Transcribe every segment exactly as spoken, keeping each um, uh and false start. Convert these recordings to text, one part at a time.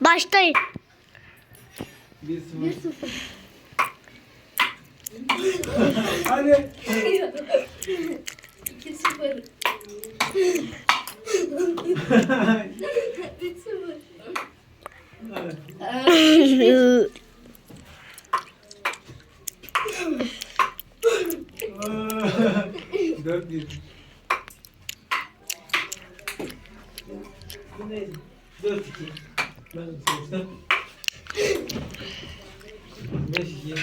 Başlayın. Bir sıfır. Bir sıfır. Hadi. İki sıfır. Üç sıfır. Dört bir. Bu neydi? Dört iki. Ben seçtim. Beş iki.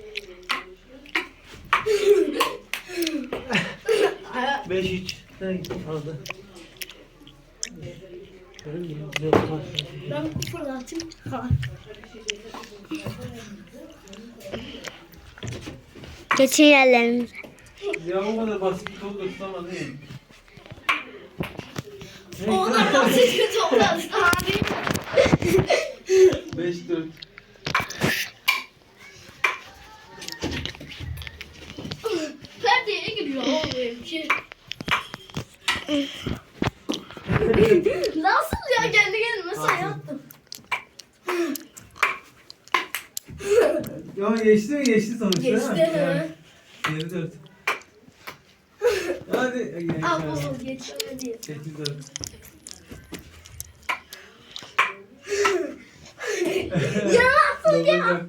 Beş üç. Sen aldı. Ben fırlatayım. Ha. Geçin yerlerinize. Ya o kadar basit bir top da tutamadın ya. O kadar basit bir toplar abi. Beş dört. Perdeye giriyor o böyle bir şey. Nasıl ya kendi kendime say yaptım. Ya geçti mi? Geçti sonuçta. Geçti değil mi? mi? Yani yedi dört. Hadi. Al baba geçmedi. sekiz dört. Ya nasıl dokuz ya?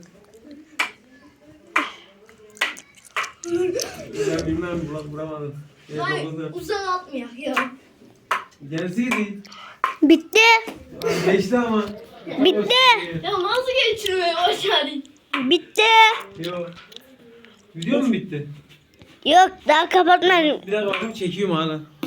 dört. Ya bilmem bula- vuramadım. Evet, Hayır dokuz dört. uzak atmıyor ya. Gelseydi. Bitti. Aa, geçti ama. Bitti. Ya nasıl geçirmeye başardın? Bitti. Yok. Video mu bitti? Yok daha kapatmadım. Bir dakika bakayım çekiyorum hala.